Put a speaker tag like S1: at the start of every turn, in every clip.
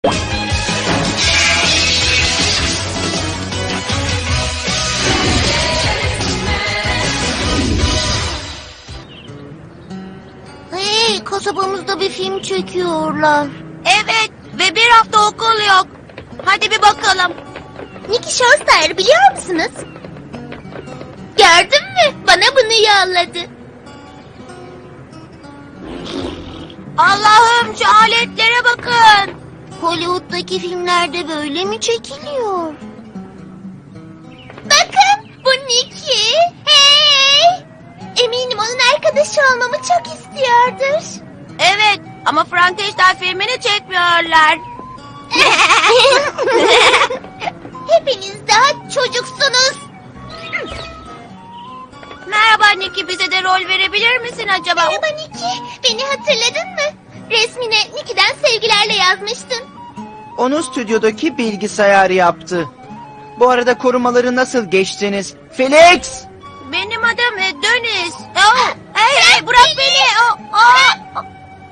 S1: Hey, kasabamızda bir film çekiyorlar.
S2: Evet ve bir hafta okul yok. Hadi bir bakalım.
S1: Nicky Showstar biliyor musunuz? Gördün mü? Bana bunu yolladı.
S2: Allah'ım şu aletlere bakın.
S1: Hollywood'daki filmlerde böyle mi çekiliyor? Bakın bu Nicky. Hey! Eminim onun arkadaşı olmamı çok istiyordur.
S2: Evet ama Frankenstein filmini çekmiyorlar.
S1: Hepiniz daha çocuksunuz.
S2: Merhaba Nicky, bize de rol verebilir misin acaba?
S1: Merhaba Nicky. Beni hatırladın mı? Resmine Nicky'den sevgilerle yazmıştın.
S3: Onu stüdyodaki bilgisayar yaptı. Bu arada korumaları nasıl geçtiniz? Felix!
S2: Benim adım Deniz. Oh, hey, bırak beni. Oh.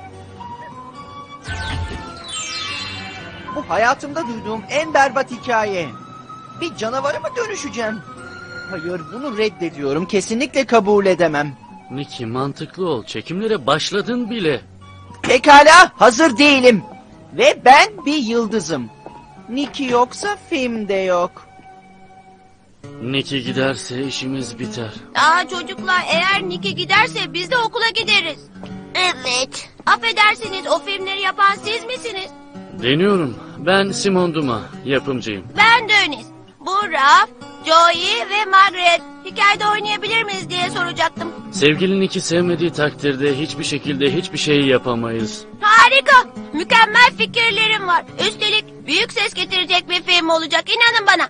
S3: Bu hayatımda duyduğum en berbat hikaye. Bir canavara mı dönüşeceğim? Hayır, bunu reddediyorum. Kesinlikle kabul edemem.
S4: Nicky, mantıklı ol. Çekimlere başladın bile.
S3: Pekala, hazır değilim. Ve ben bir yıldızım. Nicky yoksa film de yok.
S4: Nicky giderse işimiz biter.
S2: Çocuklar, eğer Nicky giderse biz de okula gideriz.
S1: Evet.
S2: Affedersiniz, o filmleri yapan siz misiniz?
S4: Deniyorum. Ben Simon Duma, yapımcıyım.
S2: Ben Deniz. Bu Raf, Joey ve Margaret. Hikayede oynayabilir miyiz diye soracaktım.
S4: Sevgili Nicky sevmediği takdirde hiçbir şekilde hiçbir şey yapamayız.
S2: Harika. Mükemmel fikirlerim var. Üstelik büyük ses getirecek bir film olacak. İnanın bana.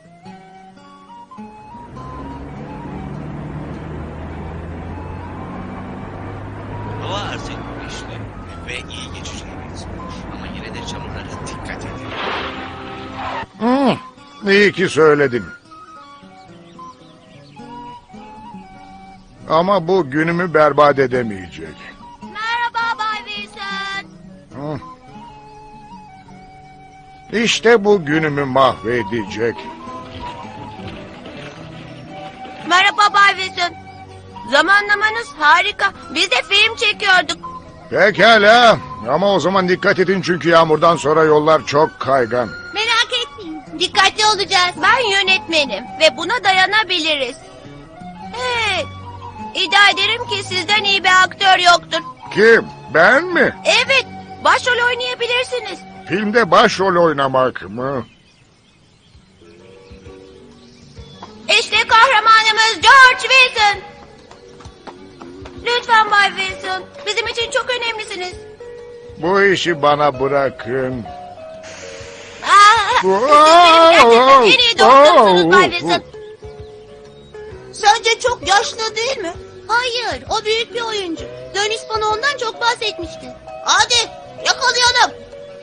S5: Hava artık güneşli ve iyi geçeceğe benziyor. Ama yine de çamurlara dikkat edin.
S6: İyi ki söyledin. Ama bu günümü berbat edemeyecek.
S2: Merhaba Bay Wilson.
S6: Hı. İşte bu günümü mahvedecek.
S2: Merhaba Bay Wilson. Zamanlamanız harika. Biz de film çekiyorduk.
S6: Pekala. Ama o zaman dikkat edin çünkü yağmurdan sonra yollar çok kaygan.
S2: Merak etmeyin. Dikkatli olacağız. Ben yönetmenim ve buna dayanabiliriz. Hey, iddia ederim ki sizden iyi bir aktör yoktur.
S6: Kim? Ben mi?
S2: Evet, başrol oynayabilirsiniz.
S6: Filmde başrol oynamak mı?
S2: İşte kahramanımız George Wilson. Lütfen Bay Wilson, bizim için çok önemlisiniz.
S6: Bu işi bana bırakın.
S2: Siz benim gerçekten en iyi dostumsunuz Bay Wilson. Sence çok yaşlı değil mi? Hayır, o büyük bir oyuncu. Dönüş bana ondan çok bahsetmişti. Hadi, yakalayalım.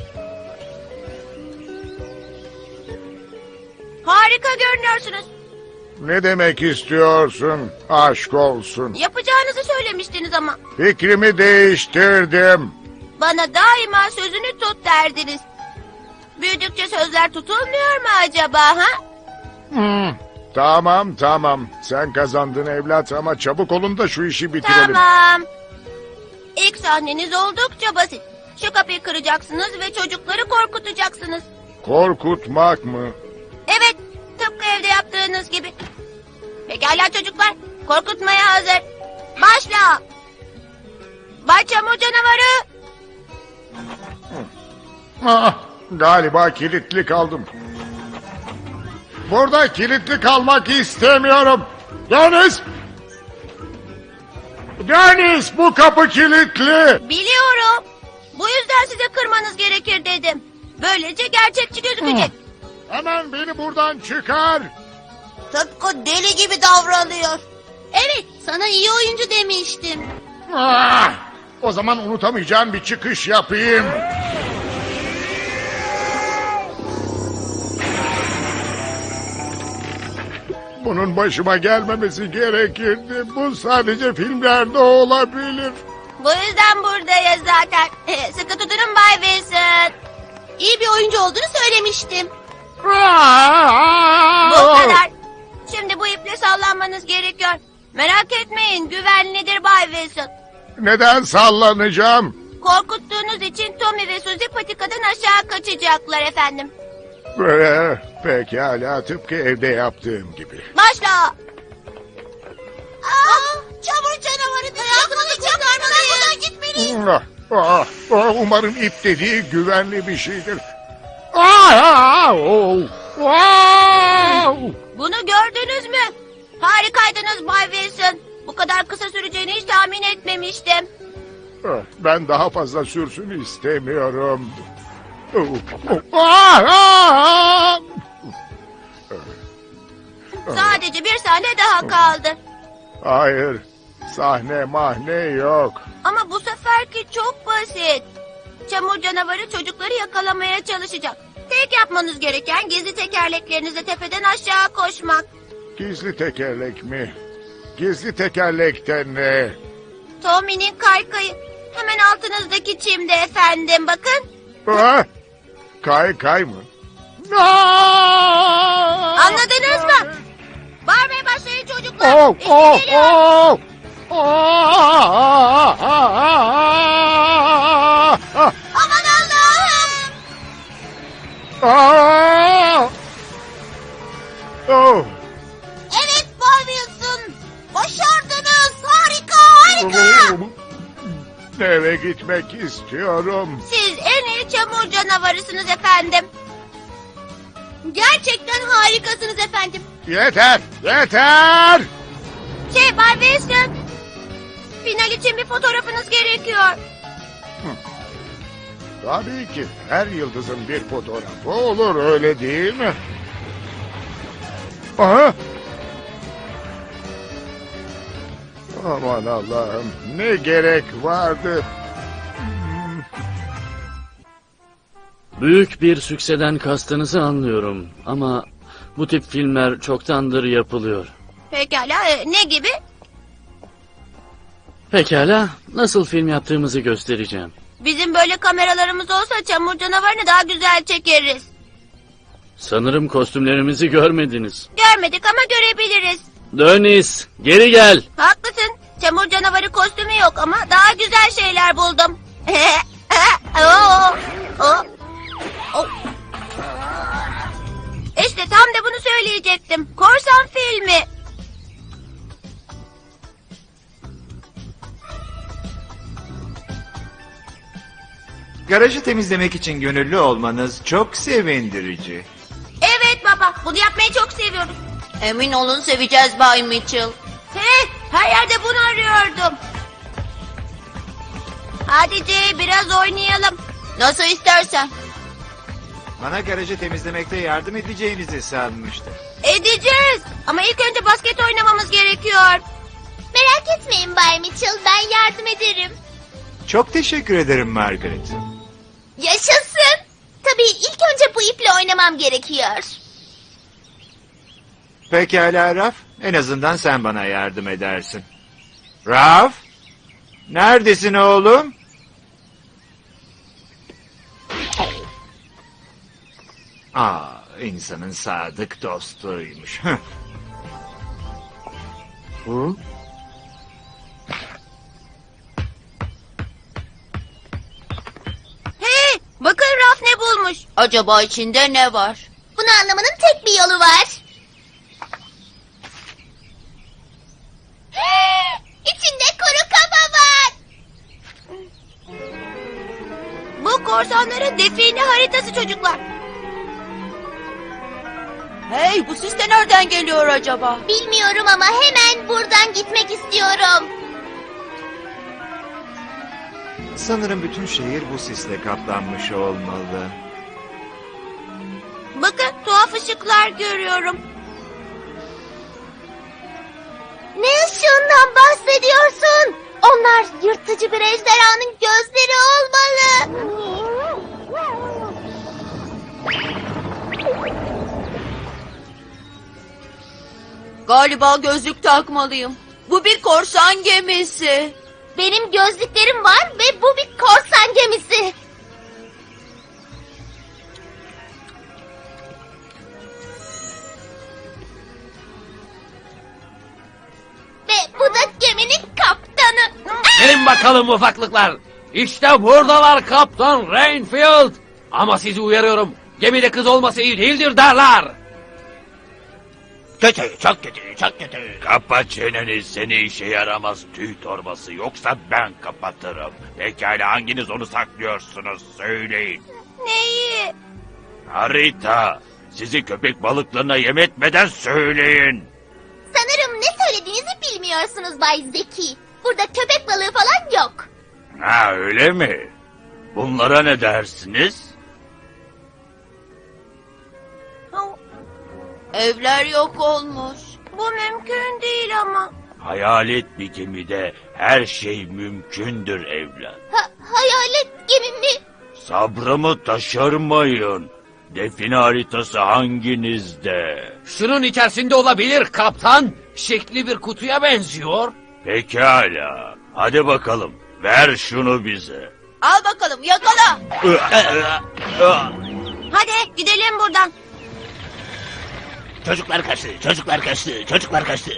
S2: Harika görünüyorsunuz.
S6: Ne demek istiyorsun? Aşk olsun.
S2: Yapacağınızı söylemiştiniz ama.
S6: Fikrimi değiştirdim.
S2: Bana daima sözünü tut derdiniz. Büyüdükçe sözler tutulmuyor mu acaba ha?
S6: Tamam. Sen kazandın evlat ama çabuk olun da şu işi bitirelim.
S2: Tamam. İlk sahneniz oldukça basit. Şu kapıyı kıracaksınız ve çocukları korkutacaksınız.
S6: Korkutmak mı?
S2: Evet, tıpkı evde yaptığınız gibi. Pekala çocuklar, korkutmaya hazır. Başla. Bay Çamur Canavarı.
S6: Galiba kilitli kaldım. Burada kilitli kalmak istemiyorum. Deniz, bu kapı kilitli.
S2: Biliyorum. Bu yüzden size kırmanız gerekir dedim. Böylece gerçekçi gözükecek.
S6: Hemen beni buradan çıkar.
S2: Tıpkı deli gibi davranıyor. Evet, sana iyi oyuncu demiştim.
S6: O zaman unutamayacağım bir çıkış yapayım. Bunun başıma gelmemesi gerekirdi. Bu sadece filmlerde olabilir.
S2: Bu yüzden buradayız zaten. Sıkı tutunun Bay Wilson.
S1: İyi bir oyuncu olduğunu söylemiştim.
S2: Bu kadar. Şimdi bu iple sallanmanız gerekiyor. Merak etmeyin, güvenlidir Bay Wilson.
S6: Neden sallanacağım?
S2: Korkuttuğunuz için Tommy ve Suzy patikadan aşağı kaçacaklar efendim.
S6: Pekala, tıpkı evde yaptığım gibi.
S2: Başla.
S1: Çamur canavarı hayatımızı kurtarmalıyız. Buradan gitmeliyiz.
S6: Umarım ip dediği güvenli bir şeydir.
S2: Bunu gördünüz mü? Harikaydınız Bay Wilson. Bu kadar kısa süreceğini hiç tahmin etmemiştim.
S6: Ben daha fazla sürsün istemiyorum.
S2: Sadece bir sahne daha kaldı.
S6: Hayır, sahne mahne yok.
S2: Ama bu seferki çok basit. Çamur canavarı çocukları yakalamaya çalışacak. Tek yapmanız gereken gizli tekerleklerinizle tepeden aşağı koşmak.
S6: Gizli tekerlek mi? Gizli tekerlekten ne?
S2: Tommy'nin kaykayı. Hemen altınızdaki çimde efendim, bakın.
S6: Kay mı?
S2: Anladınız mı? Bağırmaya başlayın çocuklar.
S6: Oh,
S2: İşte
S6: oh,
S2: geliyor. Aman Allah'ım.
S1: Evet Bay Wilson. Başardınız. Harika.
S6: Eve gitmek istiyorum.
S2: Siz en iyi çamur canavarısınız efendim.
S1: Gerçekten harikasınız efendim.
S6: Yeter! Yeter!
S2: Bay Wilson. Final için bir fotoğrafınız gerekiyor.
S6: Tabii ki her yıldızın bir fotoğrafı olur, öyle değil mi? Aha! Aman Allah'ım, ne gerek vardı?
S4: Büyük bir sükseden kastınızı anlıyorum ama bu tip filmler çoktandır yapılıyor.
S2: Pekala, ne gibi?
S4: Pekala, nasıl film yaptığımızı göstereceğim.
S2: Bizim böyle kameralarımız olsa çamur canavarını daha güzel çekeriz.
S4: Sanırım kostümlerimizi görmediniz.
S2: Görmedik ama görebiliriz.
S4: Dönis, geri gel.
S2: Haklısın. Çamur canavarı kostümü yok ama daha güzel şeyler buldum. İşte tam da bunu söyleyecektim. Korsan filmi.
S7: Garajı temizlemek için gönüllü olmanız çok sevindirici.
S2: Evet baba, bunu yapmayı çok seviyoruz.
S1: Emin olun seveceğiz Bay Mitchell.
S2: Her yerde bunu arıyordum. Hadi Jay, biraz oynayalım.
S1: Nasıl istersen.
S7: Bana garajı temizlemekte yardım edeceğinizi sanmıştım.
S2: Edeceğiz. Ama ilk önce basket oynamamız gerekiyor.
S1: Merak etmeyin Bay Mitchell, ben yardım ederim.
S7: Çok teşekkür ederim Margaret.
S1: Yaşasın. Tabii ilk önce bu iple oynamam gerekiyor.
S7: Pekala Raf, en azından sen bana yardım edersin. Raf, neredesin oğlum? İnsanın sadık dostuymuş.
S2: Bakın Raf ne bulmuş.
S1: Acaba içinde ne var? Bunu anlamanın tek bir yolu var. İçinde kuru kaba var.
S2: Bu korsanların define haritası çocuklar.
S1: Hey, bu sis de nereden geliyor acaba? Bilmiyorum ama hemen buradan gitmek istiyorum.
S7: Sanırım bütün şehir bu sisle kaplanmış olmalı.
S2: Bakın tuhaf ışıklar görüyorum.
S1: Ne ışığından bahsediyorsun? Onlar yırtıcı bir ejderhanın gözleri olmalı.
S8: Galiba gözlük takmalıyım. Bu bir korsan gemisi.
S1: Benim gözlüklerim var ve bu bir korsan gemisi.
S9: bakalım ufaklıklar. İşte buradalar Kaptan Rainfield. Ama sizi uyarıyorum. Gemide kız olması iyi değildir derler.
S5: Kötü, çok kötü, çok kötü.
S7: Kapa çeneni, seni işe yaramaz tüy torbası, yoksa ben kapatırım. Pekala, hanginiz onu saklıyorsunuz, söyleyin.
S2: Neyi?
S7: Harita, sizi köpek balıklarına yem etmeden söyleyin.
S1: Sanırım ne söylediğinizi bilmiyorsunuz Bay Zeki. Burada köpek balığı falan yok.
S7: Ha, öyle mi? Bunlara ne dersiniz?
S8: Evler yok olmuş.
S2: Bu mümkün değil ama.
S7: Hayalet bir gemide her şey mümkündür evlat.
S1: Hayalet gemi mi?
S7: Sabrımı taşırmayın. Define haritası hanginizde?
S9: Şunun içerisinde olabilir kaptan. Şekli bir kutuya benziyor.
S7: Pekala. Hadi bakalım. Ver şunu bize.
S8: Al bakalım yakala.
S2: Hadi gidelim buradan.
S5: Çocuklar kaçtı, çocuklar kaçtı, çocuklar kaçtı.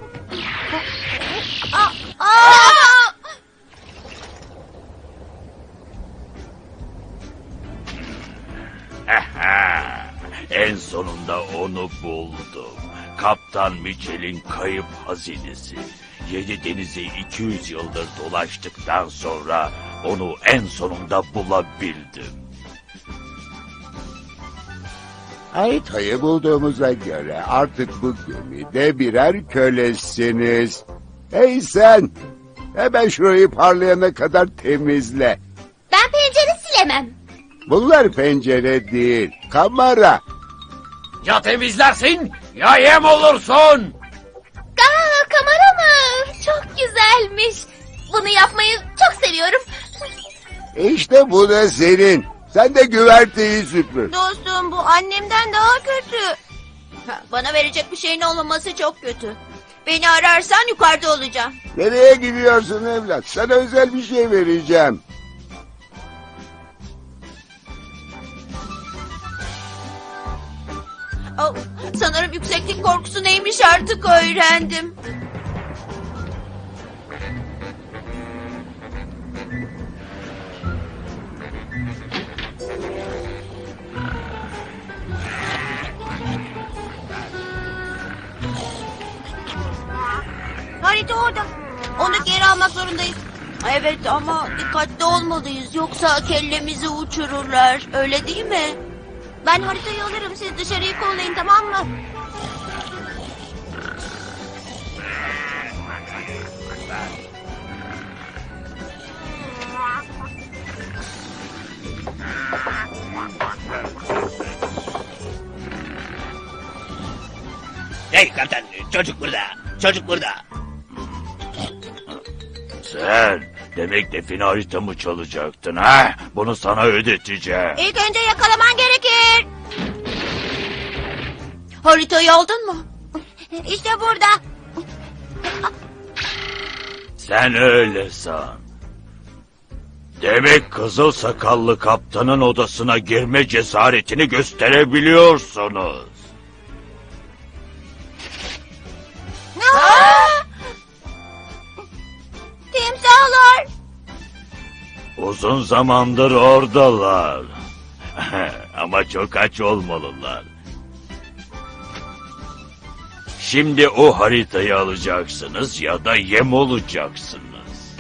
S7: En sonunda onu buldum. Kaptan Mitchell'in kayıp hazinesi. 7 denizi 200 yıldır dolaştıktan sonra onu en sonunda bulabildim.
S10: Haritayı bulduğumuza göre artık bu gemide birer kölesiniz. Hey sen! Hemen şurayı parlayana kadar temizle.
S1: Ben pencere silemem.
S10: Bunlar pencere değil, kamera.
S9: Ya temizlersin ya yem olursun.
S1: Kamera mı? Çok güzelmiş. Bunu yapmayı çok seviyorum.
S10: İşte bu da senin. Sen de güverteyi süpür.
S2: Dostum bu annemden daha kötü.
S8: Bana verecek bir şeyin olmaması çok kötü. Beni ararsan yukarıda olacağım.
S10: Nereye gidiyorsun evlat? Sana özel bir şey vereceğim.
S8: Oh, sanırım yükseklik korkusu neymiş artık öğrendim.
S2: Harita orada. Onu geri almak zorundayız.
S8: Evet ama dikkatli olmalıyız yoksa kellemizi uçururlar. Öyle değil mi?
S2: Ben haritayı alırım. Siz dışarıyı kollayın, tamam mı?
S5: Hey kaptan, çocuk burada, çocuk burada.
S7: Sen demek define haritamı çalacaktın ha? Bunu sana ödeteceğim.
S2: İlk önce yakalaman gerekir.
S8: Haritayı aldın mı?
S2: İşte burada.
S7: Sen öyle san. Demek kızıl sakallı kaptanın odasına girme cesaretini gösterebiliyorsunuz.
S2: Timsahlar.
S7: Uzun zamandır oradalar. Ama çok aç olmalılar. Şimdi o haritayı alacaksınız ya da yem olacaksınız.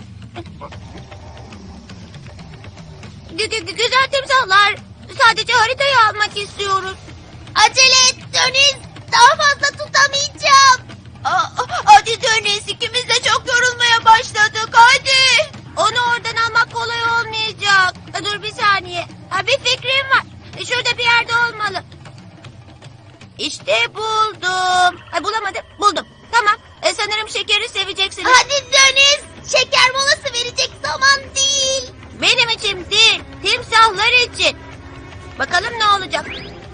S2: Güzel timsahlar. Sadece haritayı almak istiyoruz.
S1: Acele et Deniz. Daha fazla tutamayacağım.
S8: Hadi Deniz, ikimiz de çok yorulmaya başladık, hadi.
S2: Onu oradan almak kolay olmayacak. Dur bir saniye. Bir fikrim var. Şurada bir yerde olmalı. İşte buldum. Bulamadım. Buldum. Tamam. Sanırım şekeri seveceksiniz.
S1: Hadi Deniz. Şeker molası verecek zaman değil.
S2: Benim için değil. Timsahlar için. Bakalım ne olacak.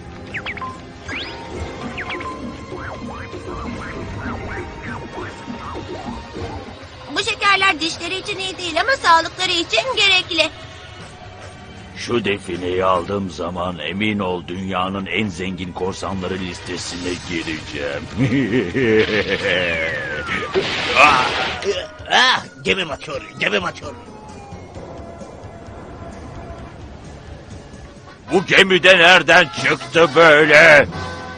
S2: Bu şekerler dişleri için iyi değil ama sağlıkları için gerekli.
S7: Şu defineyi aldığım zaman emin ol dünyanın en zengin korsanları listesine gireceğim.
S5: Gemim atıyor, gemim atıyor.
S7: Bu gemide nereden çıktı böyle?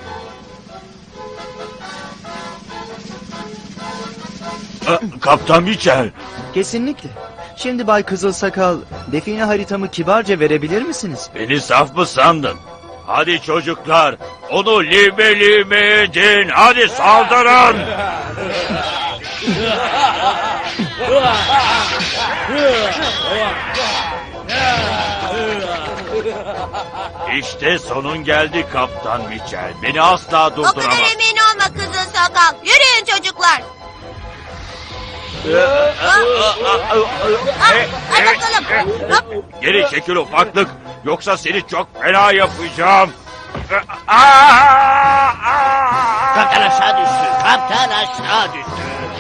S7: Kaptan Mitchell.
S3: Kesinlikle. Şimdi Bay Kızılsakal, define haritamı kibarca verebilir misiniz?
S7: Beni saf mı sandın? Hadi çocuklar, onu lime lime edin. Hadi saldırın. İşte sonun geldi Kaptan Mitchell. Beni asla
S2: O kadar
S7: durduramaz.
S2: emin olma kızıl sakal. Yürüyün çocuklar. Hadi bakalım. Hop.
S7: Geri çekil ufaklık. Yoksa seni çok fena yapacağım.
S5: Kaptan aşağı düştü, kaptan aşağı düştü.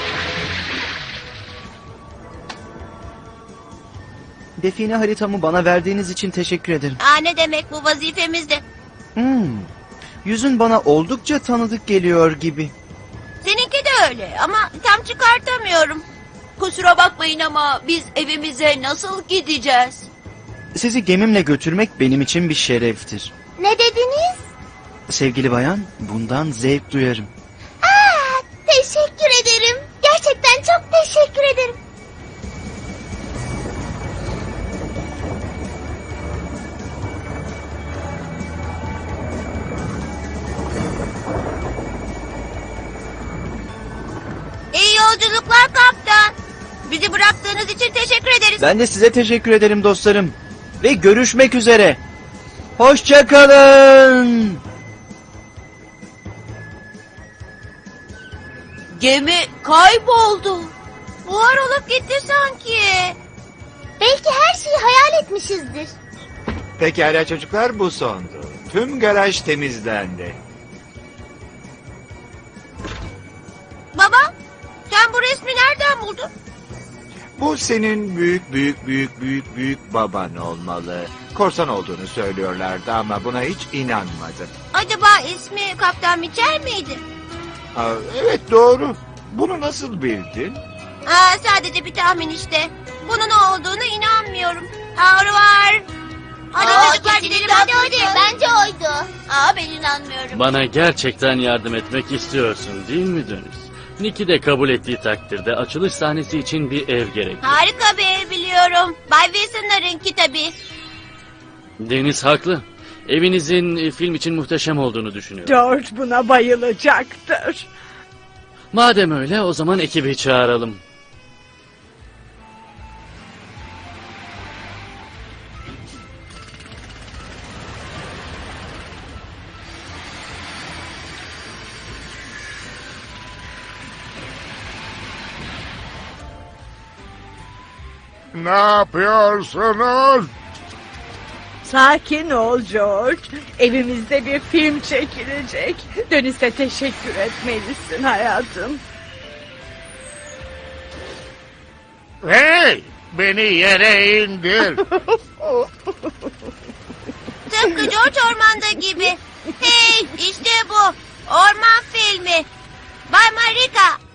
S3: Define haritamı bana verdiğiniz için teşekkür ederim.
S2: Ne demek, bu vazifemizdi.
S3: Yüzün bana oldukça tanıdık geliyor gibi.
S2: Seninki de öyle ama tam çıkartamıyorum.
S8: Kusura bakmayın ama biz evimize nasıl gideceğiz?
S3: Sizi gemimle götürmek benim için bir şereftir.
S1: Ne dediniz?
S3: Sevgili bayan, bundan zevk duyarım.
S1: Teşekkür ederim. Gerçekten çok teşekkür ederim.
S2: İyi yolculuklar kaptan. Bizi bıraktığınız için teşekkür ederiz.
S3: Ben de size teşekkür ederim dostlarım. Ve görüşmek üzere. Hoşça kalın.
S8: Gemi kayboldu.
S2: Buhar olup gitti sanki.
S1: Belki her şeyi hayal etmişizdir.
S11: Pekala çocuklar, bu sondu. Tüm garaj temizlendi.
S2: Baba, sen bu resmi nereden buldun?
S11: Bu senin büyük baban olmalı. Korsan olduğunu söylüyorlardı ama buna hiç inanmadım.
S2: Acaba ismi Kaptan Mitchell miydi?
S11: Evet, doğru. Bunu nasıl bildin?
S2: Sadece bir tahmin işte. Bunun o olduğuna inanmıyorum. Var. Hadi çocuklar gidelim, hadi.
S1: Bence oydu.
S8: Ben inanmıyorum.
S4: Bana gerçekten yardım etmek istiyorsun değil mi Deniz? Nicky de kabul ettiği takdirde açılış sahnesi için bir ev gerekli.
S2: Harika bir ev biliyorum. Bay Wilson'larınki tabii.
S4: Deniz haklı. Evinizin film için muhteşem olduğunu düşünüyorum.
S12: George buna bayılacaktır.
S4: Madem öyle o zaman ekibi çağıralım.
S6: Ne yapıyorsunuz?
S12: Sakin ol George. Evimizde bir film çekilecek. Dönüşte teşekkür etmelisin hayatım.
S6: Hey! Beni yere indir.
S2: Tıpkı George ormanda gibi. Hey, işte bu. Orman filmi. Bay Marika,